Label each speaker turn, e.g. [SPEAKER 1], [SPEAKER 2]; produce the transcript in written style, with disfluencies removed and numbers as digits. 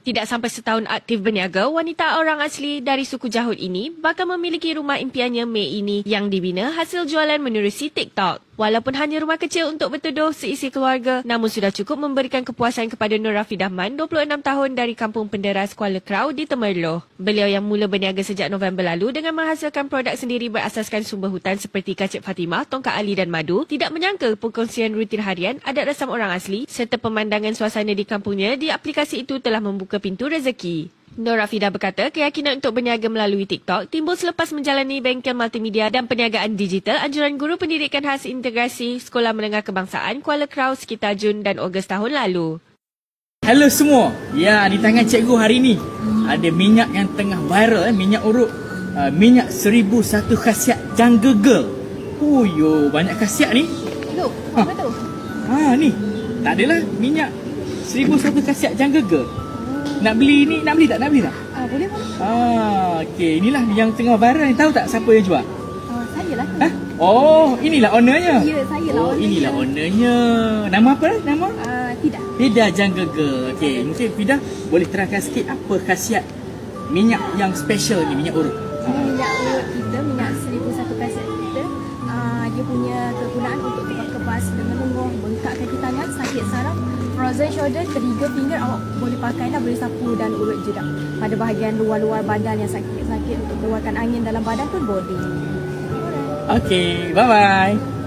[SPEAKER 1] Tidak sampai setahun aktif berniaga, wanita orang asli dari suku Jahud ini bakal memiliki rumah impiannya Mei ini yang dibina hasil jualan menerusi TikTok. Walaupun hanya rumah kecil untuk berteduh seisi keluarga, namun sudah cukup memberikan kepuasan kepada Nur Rafidah Man, 26 tahun dari kampung penderas Kuala Krau di Temerloh. Beliau yang mula berniaga sejak November lalu dengan menghasilkan produk sendiri berasaskan sumber hutan seperti kacip Fatimah, tongkat ali dan madu, tidak menyangka perkongsian rutin harian, adat rasam orang asli serta pemandangan suasana di kampungnya di aplikasi itu telah membuka pintu rezeki. Nur Rafidah berkata keyakinan untuk berniaga melalui TikTok timbul selepas menjalani bengkel multimedia dan perniagaan digital anjuran Guru Pendidikan Khas Integrasi Sekolah Menengah Kebangsaan Kuala Krau sekitar Jun dan Ogos tahun lalu.
[SPEAKER 2] Hello semua. Ya, di tangan cikgu hari ni ada minyak yang tengah viral, minyak urut. Minyak 1001 khasiat Jungle Girl. Oh yo, banyak khasiat ni.
[SPEAKER 3] Loh, apa tu?
[SPEAKER 2] Ni. Tak adalah minyak 1001 khasiat Jungle Girl. Nak beli ni, nak beli tak?
[SPEAKER 3] Boleh.
[SPEAKER 2] Okey, inilah yang tengah viral ni. Tahu tak siapa yang jual?
[SPEAKER 3] Saya lah.
[SPEAKER 2] Oh, inilah ownernya.
[SPEAKER 3] Ya, saya lah.
[SPEAKER 2] Oh, inilah ownernya. Nama apa? Nama?
[SPEAKER 3] Tidak.
[SPEAKER 2] Fidah Jungle Girl. Okey, mungkin Fidah boleh terangkan sikit apa khasiat minyak yang special ni, minyak urut.
[SPEAKER 3] Minyak urut kita, minyak 1001 khasiat kita, dia punya kegunaan untuk kebas dengan lenguh, bengkak kaki tangan, sakit saraf, frozen shoulder, trigger finger, awak boleh pakai dah, boleh sapu dan urut jedak. Pada bahagian luar-luar badan yang sakit-sakit untuk keluarkan angin dalam badan pun boleh.
[SPEAKER 2] Okey, bye-bye.